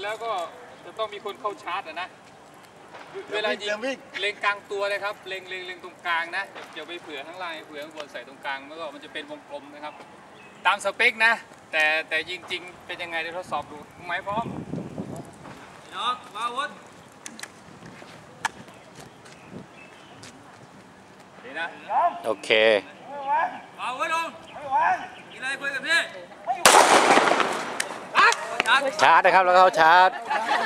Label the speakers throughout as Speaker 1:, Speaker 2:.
Speaker 1: แล้วก็จะต้องมีคนเข้าชาร์จนะเวลายิงเล็งกลางตัวเลยครับเล็งตรงกลางนะอย่าไปเผื่อข้างล่างเผื่อข้างบนใส่ตรงกลางแล้วก็มันจะเป็นวงกลมนะครับตามสเปคนะแต่ยิงจริงเป็นยังไงเดี๋ยวทดสอบดูหมายพร้อมน้องมาวุฒิดีนะ
Speaker 2: โอเค
Speaker 1: มาวุฒิลงมีอะไรคุยกับพี่
Speaker 2: ชาร์จนะครับแล้วก็เข้าชาร์จ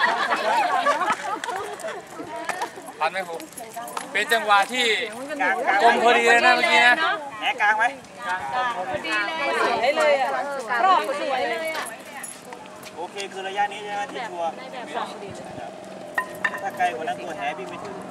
Speaker 1: ทันไหมครูเป็นจังหวะที่กลมพอดีเลยนะเมื่อกี้นะ
Speaker 3: แหนกลางไหม
Speaker 4: พอดีเลยสวยเลยอ่ะรอบสวยเลยอ่ะ
Speaker 3: โอเคคือระยะนี้ใช่ไหมที่ชัวร์ถ้าไกลกว่านั้นตัวแหวิ่งไม่ถึง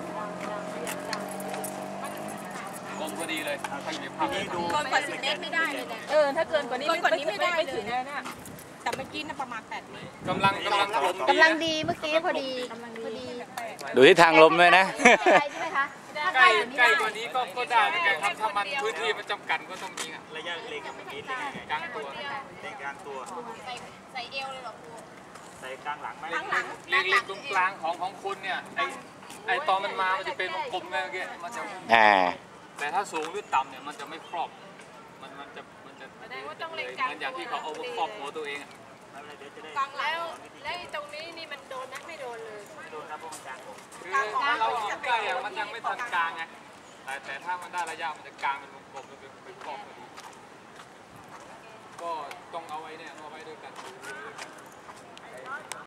Speaker 1: กลมพอดีเลยที
Speaker 3: นี้ดู
Speaker 4: เกินกว่า10 เมตรไม่ได้เลยเนี่ยถ้าเกินกว่านี้ไม่ได้เลยนะแต่เมื่อกี้น่ะประมาณ8 เมตร
Speaker 1: กำลัง
Speaker 5: ดีเมื่อกี้พอดี
Speaker 2: ดูที่ทางลมเลยนะ
Speaker 5: ใช่ไหมคะ
Speaker 1: ใกล้กว่านี้ก็ได้เหมือนกันครับถ้ามันพื้นที่มันจำกัดก็ต้องยิงอ่ะ
Speaker 3: ระยะเล็งกับเมื่อกี้
Speaker 1: กลางตัว
Speaker 3: เล็งกลางตัว
Speaker 4: ใส่เอวเลยหรอครู
Speaker 3: ใส่กลางหลังไหม
Speaker 1: เล็งตรงกลางของคุณเนี่ยไอตอนมันมามันจะเป็นวงกลมเมื่อกี้มันจะแต่ถ้าสูงหรือต่ำเนี่ยมันจะไม่ครอบมันจะมันอย่างที่เขาเอาครอบหัวตัวเอง
Speaker 4: กลางแล้วตรงนี้นี่มันโดนนะไม่โดนเลย
Speaker 3: ไม่โดนครับเพราะมันกลาง
Speaker 1: คือเรายิงใกล้มันยังไม่ทันกลางไงแต่ถ้ามันได้ระยะมันจะกลางเป็นวงกลมเป็นครอบพอดีก็ต้องเอาไว้เนี่ยเอาไว้ด้วยกัน